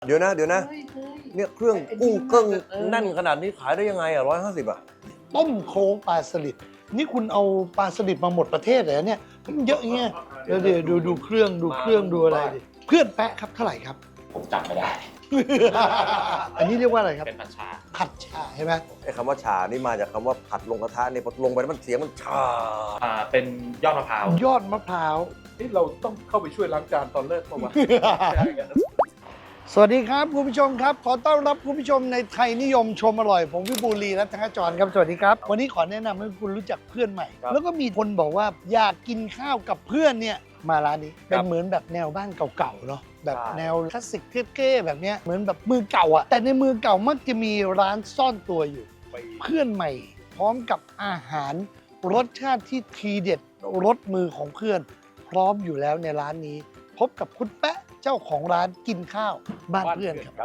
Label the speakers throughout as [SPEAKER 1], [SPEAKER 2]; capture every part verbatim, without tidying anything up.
[SPEAKER 1] เดี๋ยวนะเดี๋ยวนะเนี่ยเครื่องกุ้งเกิ้งแน่นขนาดนี้ขายได้ยังไงอ่ะร้อยห้าสิบอ่ะ
[SPEAKER 2] ต้มโครงปลาสลิดนี่คุณเอาปลาสลิดมาหมดประเทศเลยเนี่ยมันเยอะเงี้ยเดี๋ยวดูดูดูเครื่องดูเครื่องดูอะไรดิเพื่อนแปะครับเท่าไหร่ครับ
[SPEAKER 3] ผมจำไม่ได้
[SPEAKER 2] อันนี้เรียกว่าอะไรครับ
[SPEAKER 3] เป็นผัดชา
[SPEAKER 2] ผัดชาใช่ไหม
[SPEAKER 1] ไอ้คำว่าฉานี่มาจากคำว่าผัดลงกระทะเนี่ยพอลงไปแล้วมันเสียงมันชา
[SPEAKER 3] อ่าเป็นยอดมะพร้าวย
[SPEAKER 2] อดมะพร้าว
[SPEAKER 4] นี่เราต้องเข้าไปช่วยล้างจานตอนเลิกเมื่อวาน
[SPEAKER 2] สวัสดีครับคุณผู้ชมครับขอต้อนรับคุณผู้ชมในไทยนิยมชมอร่อยผมวิบูลย์ลีรัตนจรครับสวัสดีครับวันนี้ขอแนะนำให้คุณรู้จักเพื่อนใหม่ แล้วก็มีคนบอกว่าอยากกินข้าวกับเพื่อนเนี่ยมาร้านนี้เป็นเหมือนแบบแนวบ้านเก่าๆเนาะแบบแนวคลาสสิกเท่ๆแบบเนี้ยเหมือนแบบมือเก่าอะแต่ในมือเก่ามักจะมีร้านซ่อนตัวอยู่เพื่อนใหม่ พร้อมกับอาหารรสชาติที่ทีเด็ดรสมือของเพื่อน พร้อมอยู่แล้วในร้านนี้ พบกับคุณแป๊ะเจ้าของร้านกินข้าวบ้านเพื่อนครับ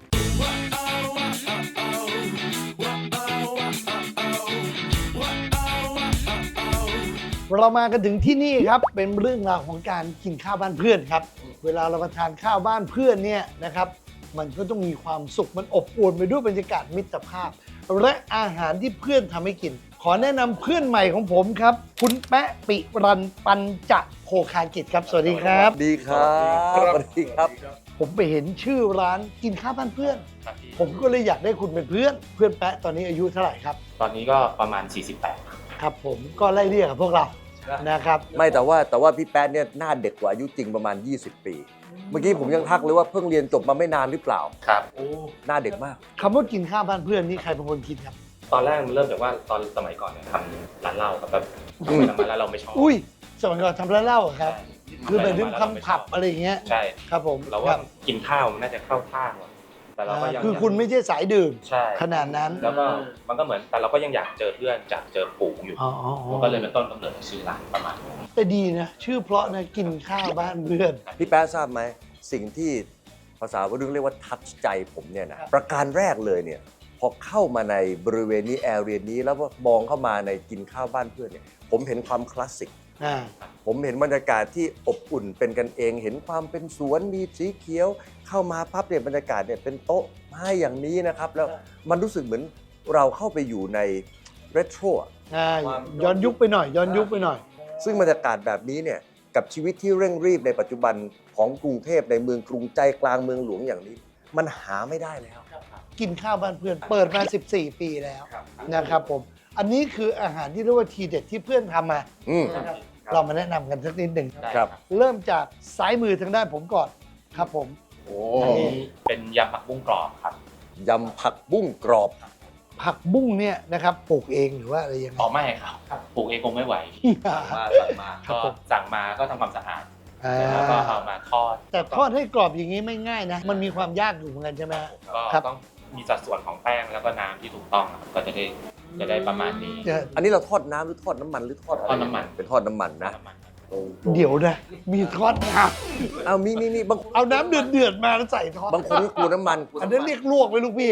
[SPEAKER 2] เรามากันถึงที่นี่ครับเป็นเรื่องราวของการกินข้าวบ้านเพื่อนครับ เวลาเรามาทานข้าวบ้านเพื่อนเนี่ยนะครับ มันก็ต้องมีความสุขมันอบอวลไปด้วยบรรยากาศมิตรภาพ และอาหารที่เพื่อนทำให้กิน ขอแนะนำเพื่อนใหม่ของผมครับ คุณแป๊ะปิรันปัญจโภคากิจครับสวัสดีครับ
[SPEAKER 1] ดีครับสวัสดีครับ
[SPEAKER 2] ผมไปเห็นชื่อร้านกินข้าวบ้านเพื่อน
[SPEAKER 3] ครับพี่
[SPEAKER 2] ผมก็เลยอยากได้คุณเป็นเพื่อน เพื่อนแป๊ะตอนนี้อายุเท่าไหร่ครับ
[SPEAKER 3] ตอนนี้ก็ประมาณ สี่สิบแปด
[SPEAKER 2] ครับผมก็ไล่เรียกกับพวกเรานะครับ
[SPEAKER 1] ไม่แต่ว่าแต่ว่าพี่แป๊ดเนี่ยหน้าเด็กกว่าอายุจริงประมาณ ยี่สิบ ปี เมื่อกี้ผมยังทักเลยว่าเพิ่งเรียนจบมาไม่นานหรือเปล่า
[SPEAKER 3] ครับ
[SPEAKER 1] หน้าเด็กมาก
[SPEAKER 2] คำว่ากินข้าวบ้านเพื่อนนี่ใครเป็นคนคิดครับ
[SPEAKER 3] ตอนแรกมันเริ่มจากว่าตอนสมัยก่อนเนี่ยทำร้านเหล้าครับแบบ
[SPEAKER 1] อืม
[SPEAKER 3] ไปทำมาแล้วเราไม่ชอบ
[SPEAKER 2] อุ้ยสมัยก่อนทำร้านเหล้าเหรอครับ
[SPEAKER 3] ใช่
[SPEAKER 2] คือไปถึง
[SPEAKER 3] ทำมาแล้วเาไม่
[SPEAKER 2] ทำผับ
[SPEAKER 3] ช
[SPEAKER 2] อะไรอย่างเงี้ย
[SPEAKER 3] ใช่
[SPEAKER 2] ครับผม
[SPEAKER 3] เรา
[SPEAKER 2] ค
[SPEAKER 3] ว่า
[SPEAKER 2] บ
[SPEAKER 3] กินข้าวมันน่าจะเข้าท่ากว่าแต่เราก็ยัง
[SPEAKER 2] คือคุณไม่ใช่สายดื่ม
[SPEAKER 3] ใช่
[SPEAKER 2] ขนาดนั้น
[SPEAKER 3] แล้วก็มันก็เหมือนแต่เราก็ยังอยากเจอเพื่อนจากเจอปู่อยู่
[SPEAKER 2] อ๋ออ๋ออ๋อ
[SPEAKER 3] มันก็เลยเป็นต้นกำเนิดของชื่อร้านประมาณนี้
[SPEAKER 2] แต่ดีนะ ชื่อเพราะนะกินข้าวบ้านเพื่อน
[SPEAKER 1] พี่แป๊ดทราบไหมสิ่งที่ภาษาวัยรุ่นเรียกว่าทัชใจผมเนี่ยนะประการแรกเลยเนี่ยพอเข้ามาในบริเวณนี้แอเรียนี้แล้วมองเข้ามาในกินข้าวบ้านเพื่อนเนี่ยผมเห็นความคลาสสิก
[SPEAKER 2] อ่า
[SPEAKER 1] ผมเห็นบรรยากาศที่อบอุ่นเป็นกันเอง เห็นความเป็นสวนมีสีเขียว เข้ามาปั๊บเนี่ยบรรยากาศเนี่ยเป็นโต๊ะไม้อย่างนี้นะครับ แล้วมันรู้สึกเหมือนเราเข้าไปอยู่ในเรโทร
[SPEAKER 2] อ่าย้อนยุคไปหน่อย ย้อนยุคไปหน่อย
[SPEAKER 1] ซึ่งบรรยากาศแบบนี้เนี่ยกับชีวิตที่เร่งรีบในปัจจุบันของกรุงเทพในเมืองกรุงใจกลางเมืองหลวงอย่างนี้ มันหาไม่ได้แล้ว
[SPEAKER 2] กินข้าวบ้านเพื่อน เปิดมา สิบสี่ ปีแล้วนะครับผม อันนี้คืออาหารที่เรียกว่าทีเด็ดที่เพื่อนทำมา
[SPEAKER 1] อืม
[SPEAKER 2] นะครับเรามาแนะนำกันสักนิดหนึ่ง
[SPEAKER 3] ได้
[SPEAKER 1] ครับ
[SPEAKER 2] เริ่มจากซ้ายมือทางด้านผมก่อนครับผม
[SPEAKER 1] โอ้
[SPEAKER 3] อันนี้เป็นยำผักบุ้งกรอบครับ
[SPEAKER 1] ยำผักบุ้งกรอบ
[SPEAKER 2] ผักบุ้งเนี่ยนะครับปลูกเองหรือว่าอะไรยังไง
[SPEAKER 3] อ๋อไม่ครับปลูกเองคงไม่ไหว
[SPEAKER 1] มาสั่งมา
[SPEAKER 2] ครับ
[SPEAKER 3] ก็
[SPEAKER 2] ผม
[SPEAKER 3] สั่งมาก็ทำความสะอาด
[SPEAKER 2] อ่า
[SPEAKER 3] แล้วก็เอามาทอด
[SPEAKER 2] แต่ทอดให้กรอบอย่างนี้ไม่ง่ายนะ มันมีความยากอยู่เหมือนกันใช่ไหมฮะ
[SPEAKER 3] ก็
[SPEAKER 2] ครับ
[SPEAKER 3] ต้องมีสัดส่วนของแป้งแล้วก็น้ำที่ถูกต้องครับก็จะได้จะได้ประมาณนี้
[SPEAKER 2] จะ
[SPEAKER 1] อันนี้เราทอดน้ำหรือทอดน้ำมันหรือทอดอะไร
[SPEAKER 3] ทอดน้ำมัน
[SPEAKER 1] เป็นทอดน้ำมันนะ
[SPEAKER 3] น้ำมันครับ
[SPEAKER 2] เดี๋ยวนะ มีทอดน้
[SPEAKER 1] เอามีมีมีบาง
[SPEAKER 2] ำเอาน้ำเดือดเดือดๆมาแล้วใส่ทอด
[SPEAKER 1] บางคนก็กลัวน้ำมัน
[SPEAKER 2] อันนั้นเรียกลวกไหมลูกพี่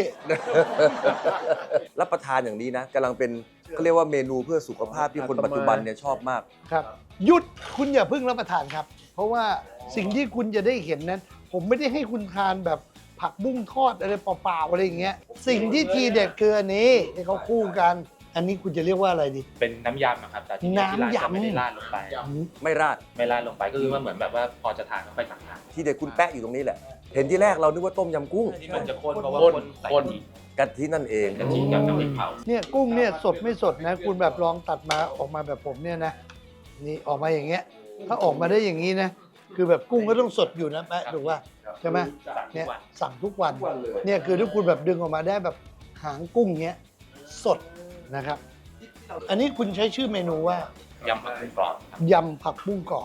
[SPEAKER 1] รับประทานอย่างนี้นะกำลังเป็นเขาเรียกว่าเมนูเพื่อสุขภาพที่คนปัจจุบันเนี่ยชอบมาก
[SPEAKER 2] ครับหยุดคุณอย่าเพิ่งรับประทานครับ เพราะว่าสิ่งที่คุณจะได้เห็นนั้น ผมไม่ได้ให้คุณทานแบบผักบุ้งทอดอะไรเปล่าๆอะไรอย่างเงี้ยสิ่งที่ทีเด็ดคืออันนี้ที่เขาคู่กัน อันนี้คุณจะเรียกว่าอะไรดี
[SPEAKER 3] เป็นน้ำยำอะครับแต่ที่นี่ที่ร้าน
[SPEAKER 2] น้ำยำ
[SPEAKER 3] จะไม่ได้ราดลงไป
[SPEAKER 1] ไม่ราด
[SPEAKER 3] ไม่ราดลงไปก็คือว่าเหมือนแบบว่าพอจะทานก็ค่อยตักทาน
[SPEAKER 1] ที่เด็กคุณแปะอยู่ตรงนี้แหละ เห็นที่แรกเรานึกว่าต้มยำกุ้ง
[SPEAKER 3] ที่มันจะข้นเพราะว่า
[SPEAKER 4] ข้น
[SPEAKER 3] คนใส่
[SPEAKER 4] ข้น
[SPEAKER 3] กะทิ
[SPEAKER 1] กะทินั่นเอง
[SPEAKER 3] กะทิกับน้ำพริกเผา
[SPEAKER 2] เนี่ยกุ้งเนี่ยสดไม่สดนะ คุณแบบลองตัดมาออกมาแบบผมเนี่ยนะนี่ออกมาอย่างเงี้ย ถ้าออกมาได้อย่างนี้นะ คือแบบกุ้งก็ต้องสดอยู่นะแป๊ะถูกป่ะใช่ไหม
[SPEAKER 3] สั่งทุ
[SPEAKER 2] เนี่
[SPEAKER 3] ก
[SPEAKER 2] ย
[SPEAKER 3] วัน
[SPEAKER 2] สั่งทุกวันเนี่ยคือถ้าคุณแบบดึงออกมาได้แบบหางกุ้งเงี้ยสดนะครับ อันนี้คุณใช้ชื่อเมนูว่าย
[SPEAKER 3] ำผักบุ้งกรอบครับ
[SPEAKER 2] ยำผักบุ้งกรอบ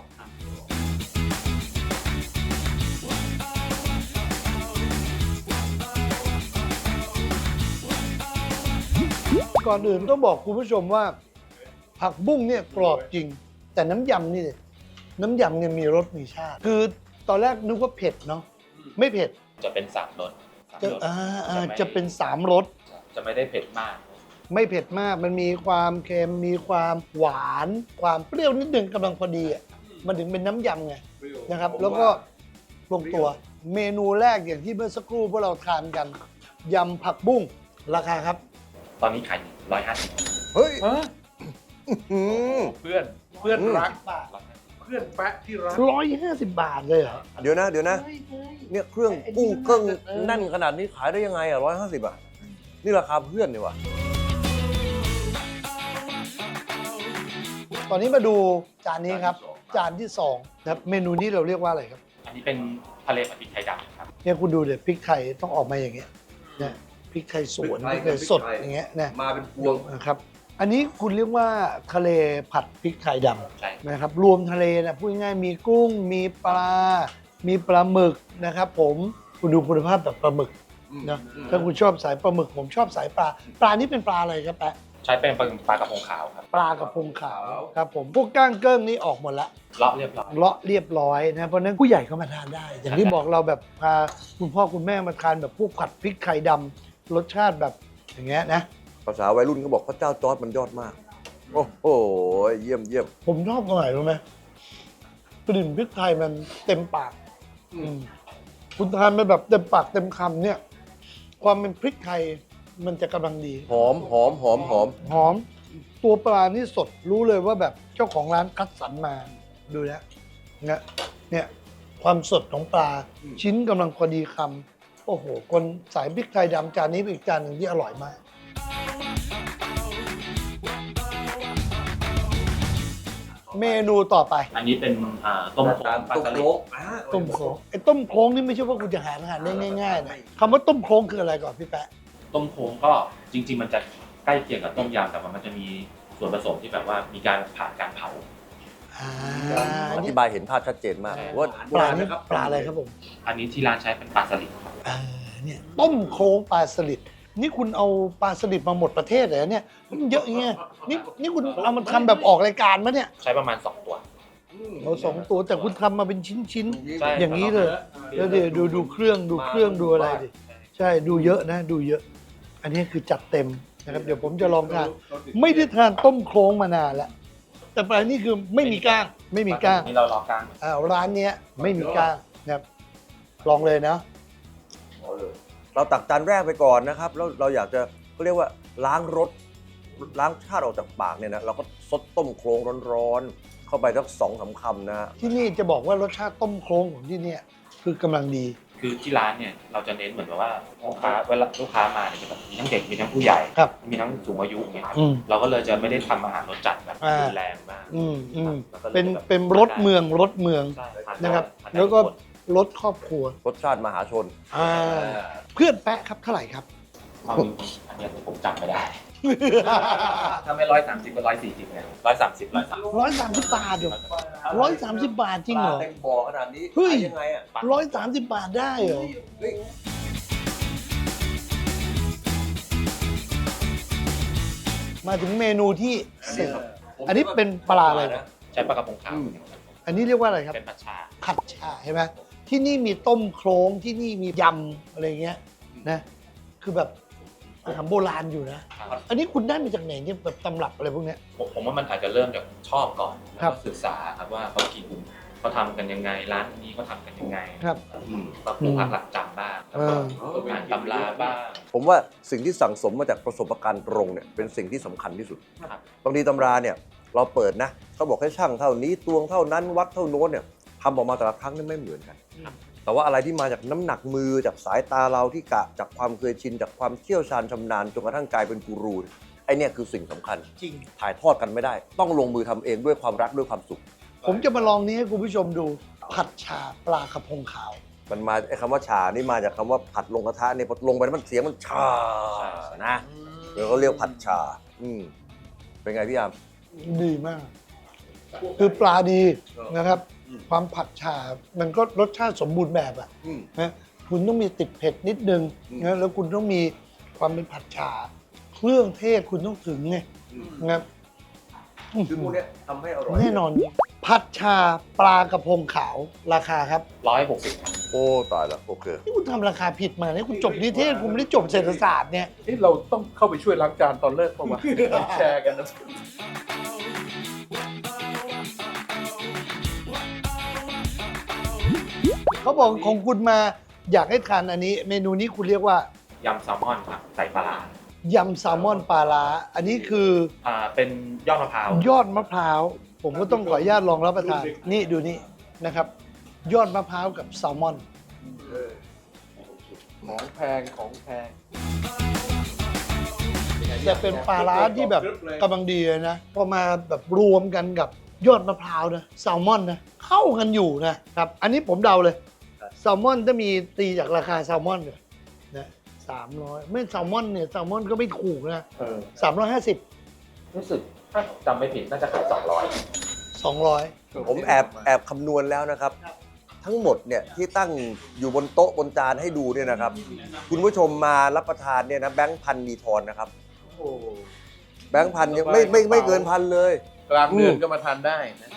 [SPEAKER 2] ก่อนอื่นต้องบอกคุณผู้ชมว่า ผักบุ้งเนี่ยกรอบจริง แต่น้ำยำนี่น้ำยำเนี่ยมีรสมีชาติคือตอนแรกนึกว่าเผ็ดเนาะไม่เผ็ด
[SPEAKER 3] จะเป็นสามรสสาม
[SPEAKER 2] จะ
[SPEAKER 3] รส
[SPEAKER 2] อ่าอ่า
[SPEAKER 3] ไม่
[SPEAKER 2] จะเป็นสามรส
[SPEAKER 3] จะไม่ได้เผ็ดมาก
[SPEAKER 2] ไม่เผ็ดมาก มันมีความเค็ม มีความหวาน ความเปรี้ยวนิดนึงกำลังพอดีอ่ะ มันถึงเป็นน้ำยำไงนะครับ แล้วก็ลงตัวเมนูแรกอย่างที่เมื่อสักครู่พวกเราทานกันยำผักบุ้งราคาครับ
[SPEAKER 3] ตอนนี้ขายร้อยห้าสิบ
[SPEAKER 1] เฮ้ย
[SPEAKER 4] ฮะ
[SPEAKER 1] อืม
[SPEAKER 4] เพื่อนเพื่อนรัก
[SPEAKER 2] บาท
[SPEAKER 4] เพื่อนแปะที่รัก
[SPEAKER 2] ร้อยห้าสิบบาทเลยเหรอ
[SPEAKER 1] เดี๋ยวนะ เดี๋ยวนะ เนี่ยเครื่องกุ้งเครื่องแน่นขนาดนี้ขายได้ยังไงอ่ะร้อยห้าสิบอ่ะ นี่ราคาเพื่อนนี่วะ
[SPEAKER 2] ตอนนี้มาดูจานนี้ครับ จานที่สองนะครับเมนูนี้เราเรียกว่าอะไรครับ
[SPEAKER 3] อันนี้เป็นทะเลผัดพริกไทยดำครับ
[SPEAKER 2] เนี่ยคุณดูเดี๋ยวพริกไทยต้องออกมาอย่างเงี้ยนะพริกไทยสวนพ
[SPEAKER 1] พริ
[SPEAKER 2] ริก
[SPEAKER 1] ก
[SPEAKER 2] ไท
[SPEAKER 1] ไท
[SPEAKER 2] ย
[SPEAKER 1] ย
[SPEAKER 2] สด
[SPEAKER 1] พริกไทย
[SPEAKER 2] อย่างเงี้ยนะ
[SPEAKER 1] มาเป็นพวง
[SPEAKER 2] นะครับ อันนี้คุณเรียกว่าทะเลผัดพริกไทยด
[SPEAKER 3] ใช่
[SPEAKER 2] ำนะครับ รวมทะเลนะพูดง่ายๆมีกุ้ง มีปลา มีปลาหมึกนะครับผมคุณดูคุณภาพแบบปลาหมึกนะถ้าคุณชอบสายปลาหมึกผมชอบสายปลา ปลานี่เป็นปลาอะไรครับแปะ
[SPEAKER 3] ใช้เป็นปลากระพงขาวครับ
[SPEAKER 2] ปลากระพงขาวครับผมพวกก้างเกิ้งนี่ออกหมดละ
[SPEAKER 3] เลาะเรียบร้อย
[SPEAKER 2] เลาะเรียบร้อยนะเพราะฉะนั้นผู้ใหญ่ก็มาทานได้ อย่างที่บอกเราแบบพาคุณพ่อคุณแม่มาทานแบบพวกผัดพริกไข่ดำรสชาติแบบอย่างเงี้ยนะ
[SPEAKER 1] ภาษาวัยรุ่นเขาบอกพระเจ้าจอร์ดมันยอดมาก โอ้โห เยี่ยมเยี่ยม
[SPEAKER 2] ผมชอบตรงไหนรู้ไหมกลิ่นพริกไทยมันเต็มปากอืมคุณทานไปแบบเต็มปากเต็มคำเนี่ย ความเป็นพริกไทยมันจะกำลังดี
[SPEAKER 1] หอมหอมหอมหอม
[SPEAKER 2] หอม ตัวปลานี่สดรู้เลยว่าแบบเจ้าของร้านคัดสรรมาดูนะเนี่ยเนี่ยความสดของปลาชิ้นกำลังพอดีคำโอ้โห คนสายพริกไทยดำจานนี้เป็นอีกจานหนึ่งที่อร่อยมาก เมนูต่อไป
[SPEAKER 3] อันนี้เป็นอ่าต้มโค้งปลา
[SPEAKER 1] ต้ม
[SPEAKER 3] สลิ
[SPEAKER 1] โค้
[SPEAKER 3] ด
[SPEAKER 1] งอ่า
[SPEAKER 2] ต้มโค้งไอ้ต้มโค้งนี่ไม่ใช่ว่าคุณจะหาอาหารได้ง่ายๆนะคำว่าต้มโค้งคืออะไรก่อนพี่แปะ
[SPEAKER 3] ต้มโค้งก็จริง ๆ มันจะใกล้เคียงกับต้มยำแต่ว่ามันจะมีส่วนผสมที่แบบว่ามีการผ่านการเผา
[SPEAKER 2] อ่า
[SPEAKER 1] อ
[SPEAKER 2] อัน
[SPEAKER 1] ธิ
[SPEAKER 2] นี้
[SPEAKER 1] บายเห็นภาพชัดเจนมาก
[SPEAKER 3] ใช่
[SPEAKER 1] ว่า
[SPEAKER 2] ปลานี่ปลาอะไรครับผม
[SPEAKER 3] อันนี้ที่ร้านใช้เป็นปลาสลิดครับ
[SPEAKER 2] เออเนี่ยต้มโค้งปลาสลิดนี่คุณเอาปลาสลิดมาหมดประเทศเลยนะเนี่ยมันเยอะเงี้ยนี่นี่คุณเอามาทำแบบออกรายการมะเนี่ย
[SPEAKER 3] ใช้ประมาณสองตัว
[SPEAKER 2] เราสองตัวแต่คุณทำมาเป็นชิ้น
[SPEAKER 3] ใช่
[SPEAKER 2] ๆอย่างนี้เลย แล้วเดี๋ยวดูดูเครื่องดูเครื่องดูอะไรดิใช่ดูเยอะนะ ดูเยอะ อันนี้คือจัดเต็มนะครับเดี๋ยวผมจะลองทานไม่ได้ทานต้มโครงมานานแล้วแต่ปลานี่คือไม่มีก้างไม่มีก้าง
[SPEAKER 3] นี่เราลอกกลาง
[SPEAKER 2] อ่าร้านเนี้ยไม่มีก้างนะครับลองเลยนะ
[SPEAKER 1] เราตักจานแรกไปก่อนนะครับ แล้วเราอยากจะเขาเรียกว่าล้างรสล้างชาติออกจากปากเนี่ยนะเราก็ซดต้มโครงร้อนๆเข้าไปสักสองสามคำนะฮะ
[SPEAKER 2] ที่นี่จะบอกว่ารสชาติต้มโครงของที่เนี่ยคือกำลังดี
[SPEAKER 3] คือที่ร้านเนี่ยเราจะเน้นเหมือนแบบว่าลูกค้าเวลาลูกค้ามาเนี่ยจะแบบมีทั้งเด็กมีทั้งผู้ใหญ่
[SPEAKER 2] ครับ
[SPEAKER 3] มีทั้งสูงอายุอย่างเงี้ยครับ
[SPEAKER 2] อืม
[SPEAKER 3] เราก็เลยจะไม่ได้ทำอาหารรสจัดแบบ
[SPEAKER 2] อ่า
[SPEAKER 3] รุนแรงมาก
[SPEAKER 2] อืมอืม
[SPEAKER 3] แล้วก็ลย
[SPEAKER 2] เป็น
[SPEAKER 3] แบบ
[SPEAKER 2] เป็นรสเมืองรสเมือง
[SPEAKER 3] ใช่ทาได้
[SPEAKER 2] นะครับ
[SPEAKER 3] ทานได้
[SPEAKER 2] แล้วก็
[SPEAKER 3] ทุคน
[SPEAKER 2] รสครอบครัว
[SPEAKER 1] รสชาติมหาชน
[SPEAKER 2] อ่าเพื่อนแปะครับเท่าไหร่ครับ
[SPEAKER 3] เอาจริงๆอันเนี้ยผมจำไม่ได้ ถ้าไม่ร้อยสามสิบก็ร้อยสี่สิบเนี่ยร้อยสามสิบร้อยสาม
[SPEAKER 2] ร้อยสามสิบบาทเดี๋ยวร้อยสามสิบบาทจริงเหรอ
[SPEAKER 1] ปลาเต็มบ่อขนาดนี้
[SPEAKER 2] เฮ้ย
[SPEAKER 1] ขายยังไงอ่ะ
[SPEAKER 2] ร้อยสามสิบบาทได้เหรอ
[SPEAKER 1] เฮ้ย
[SPEAKER 2] มาถึงเมนูที่เสิร์ฟอันนี้เป็นปลาอะไรนะ
[SPEAKER 3] ใช้ปลากระพงขาว
[SPEAKER 2] อันนี้เรียกว่าอะไรครับ
[SPEAKER 3] เป็นผัดชา
[SPEAKER 2] ผัดชาใช่ไหมที่นี่มีต้มโครงที่นี่มียำอะไรเงี้ยนะคือแบบทำโบราณอยู่นะ
[SPEAKER 3] ครับ
[SPEAKER 2] อันนี้คุณได้มาจากไหนเนี่ยแบบตำรับอะไรพวกเนี้ย
[SPEAKER 3] ผมผมว่ามันอาจจะเริ่มจากชอบก่อนแล้ว
[SPEAKER 2] ครั
[SPEAKER 3] ก็
[SPEAKER 2] บ
[SPEAKER 3] ศึกษาครับว่าเขากินเขาทำกันยังไงร้านนี้เขาทำกันยังไง
[SPEAKER 2] ครับ
[SPEAKER 3] ก็ปลูกผักหลักจำบ้างแล้วก็
[SPEAKER 2] เอ
[SPEAKER 3] อ่านตำราบ้าง
[SPEAKER 1] ผมว่าสิ่งที่สั่งสมมาจากประสบการณ์ตรงเนี่ยเป็นสิ่งที่สำคัญที่สุด
[SPEAKER 3] ครับ
[SPEAKER 1] บางทีตำราเนี่ยเราเปิดนะเขาบอกให้ช่างเท่านี้ตวงเท่านั้นวัดเท่าโน้นเนี่ยทำออกมาแต่ละครั้งนี่ไม่เหมือนกัน แต่ว่าอะไรที่มาจากน้ำหนักมือจากสายตาเราที่กะจากความเคยชินจากความเชี่ยวชาญชำนาญจนกระทั่งกลายเป็นกูรูไอเนี่ยคือสิ่งสำคัญ
[SPEAKER 2] จริง
[SPEAKER 1] ถ่ายทอดกันไม่ได้ ต้องลงมือทำเองด้วยความรักด้วยความสุข
[SPEAKER 2] ผมจะมาลองนี้ให้คุณผู้ชมดู ผัดชาปลากระพงขาว
[SPEAKER 1] มันมาไอ้คำว่าชานี่มาจากคำว่าผัดลงกระทะเนี่ยพอลงไปแล้วมันเสียงมันชานะเดี๋ยวเขาเรียกผัดชา อืมเป็นไงพี่อาม
[SPEAKER 2] ดีมาก คือปลาดีนะครับ ความผัดชา มันก็รสชาติสมบูรณ์แบบอะ
[SPEAKER 1] อืม
[SPEAKER 2] นะคุณต้องมีติดเผ็ดนิดนึง
[SPEAKER 1] อืม
[SPEAKER 2] นะแล้วคุณต้องมีความเป็นผัดชา เครื่องเทศคุณต้องถึงไงนะครับ
[SPEAKER 1] คือพวกเนี้ยทำให้อร่อย
[SPEAKER 2] แน่นอน ผัดชาปลากระพงขาวราคาครับ
[SPEAKER 3] ร้อยหกสิบ
[SPEAKER 1] โอ้ตายแล้วโอเค
[SPEAKER 2] นี่คุณทำราคาผิดมาเนี่ยคุณจบนิเทศคุณไม่ได้จบเศรษฐศาสตร์เนี่ย
[SPEAKER 4] นี่เราต้องเข้าไปช่วยล้างจานตอนเลิกเปล่าวะ แชร์กันนะ
[SPEAKER 2] ตเขาบอกของคุณมาอยากให้ทานอันนี้ เมนูนี้คุณเรียกว่าย
[SPEAKER 3] ำแซลมอนครับใส่ปลาร้าย
[SPEAKER 2] ำแซลมอนปลาร้าอันนี้คือ
[SPEAKER 3] อ่าเป็นยอดมะพร้าวย
[SPEAKER 2] อดมะพร้าว ผมก็ต้องขออนุญาตลองรับประทาน นี่ดูนี่นะครับ ยอดมะพร้าวกับแซลมอน
[SPEAKER 4] ของแพงของแพง
[SPEAKER 2] แต่เป็นปลาร้าที่แบบกำลังดีเลยนะพอมาแบบรวมกันกับยอดมะพร้าวนะแซลมอนนะเข้ากันอยู่นะครับอันนี้ผมเดาเลยแซลมอนถ้ามีตีจากราคาแซลมอนเนี่ยนะสามร้อยไม่แซลมอนเนี่ยแซลมอนก็ไม่ถูกนะ
[SPEAKER 3] เออ
[SPEAKER 2] สามร้อยห้าสิบ
[SPEAKER 3] รู้สึกถ้าจำไม่ผิดน่าจะขายสองร้อย
[SPEAKER 2] สองร้อย
[SPEAKER 1] ผมแอบแอบคำนวณแล้วนะครับ ทั้งหมดเนี่ยที่ตั้งอยู่บนโต๊ะบนจานให้ดูเนี่ยนะครับ คุณผู้ชมมารับประทานเนี่ยนะแบงค์พันมีทอนนะครับ
[SPEAKER 4] โอ้
[SPEAKER 1] แบงค์พันเนี่ยไม่ไม่ไม่เกินพันเลย
[SPEAKER 4] กลางเดือนก็มาทานได้นะ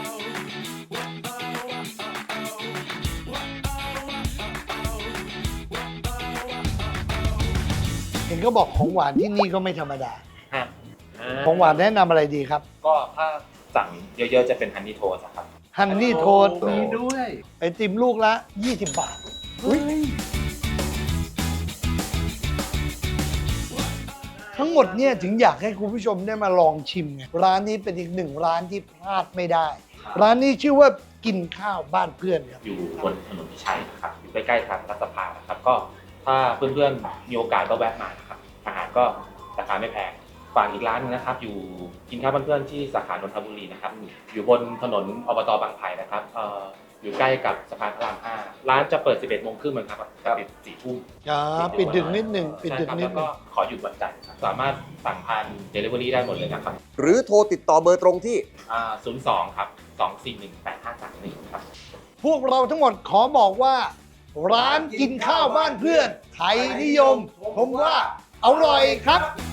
[SPEAKER 2] เห็นก็บอกของหวานที่นี่ก็ไม่ธรรมดา
[SPEAKER 3] ฮะ
[SPEAKER 2] ของหวานแนะนำอะไรดีครับ
[SPEAKER 3] ก็ถ้าสั่งเยอะๆจะเป็นฮันนี่โทสครับ
[SPEAKER 2] ฮันนี่โทส
[SPEAKER 4] โอ้มีด้วย
[SPEAKER 2] ไอติมลูกละ ยี่สิบบาท ทั้งหมดเนี่ยถึงอยากให้คุณผู้ชมได้มาลองชิมไงร้านนี้เป็นอีกหนึ่งร้านที่พลาดไม่ได้ ร้านนี้ชื่อว่ากินข้าวบ้านเพื่อนครับ
[SPEAKER 3] อยู่บนถนนพิชัยนะครับอยู่ใกล้ๆทางรัฐสภานะครับก็ถ้าเพื่อนๆมีโอกาสก็แวะมานะครับอาหารก็ราคาไม่แพงฝากอีกร้านหนึงนะครับ อยู่กินข้าวบ้านเพื่อนที่สาขานนทบุรีนะครับอยู่บนถนนอบตบางไผ่นะครับเอ่ออยู่ใกล้กับสะพานพระรามห้าร้านจะเปิด สิบเอ็ดโมงครึ่งครับจะปิดสี่ทุ่ม
[SPEAKER 2] อ่าปิดดึกนิดหนึ่งปิดดึก
[SPEAKER 3] ใช่ครับ
[SPEAKER 2] นิด
[SPEAKER 3] แล้ว
[SPEAKER 2] หนึ่
[SPEAKER 3] ก็
[SPEAKER 2] ง
[SPEAKER 3] ขอหยุดวันจันทร์ครับสามารถสั่งผ่าน Delivery ได้หมดเลยนะครับ
[SPEAKER 1] หรือโทรติดต่อเบอร์ตรงที่
[SPEAKER 3] อ่าศูนย์สองครับสองสี่หนึ่งแปดห้าสามหนึ่งครับ
[SPEAKER 2] พวกเราทั้งหมดขอบอกว่า ร้านกินข้าวบ้านเพื่อน ไทยนิยม ผมว่าอร่อยครับ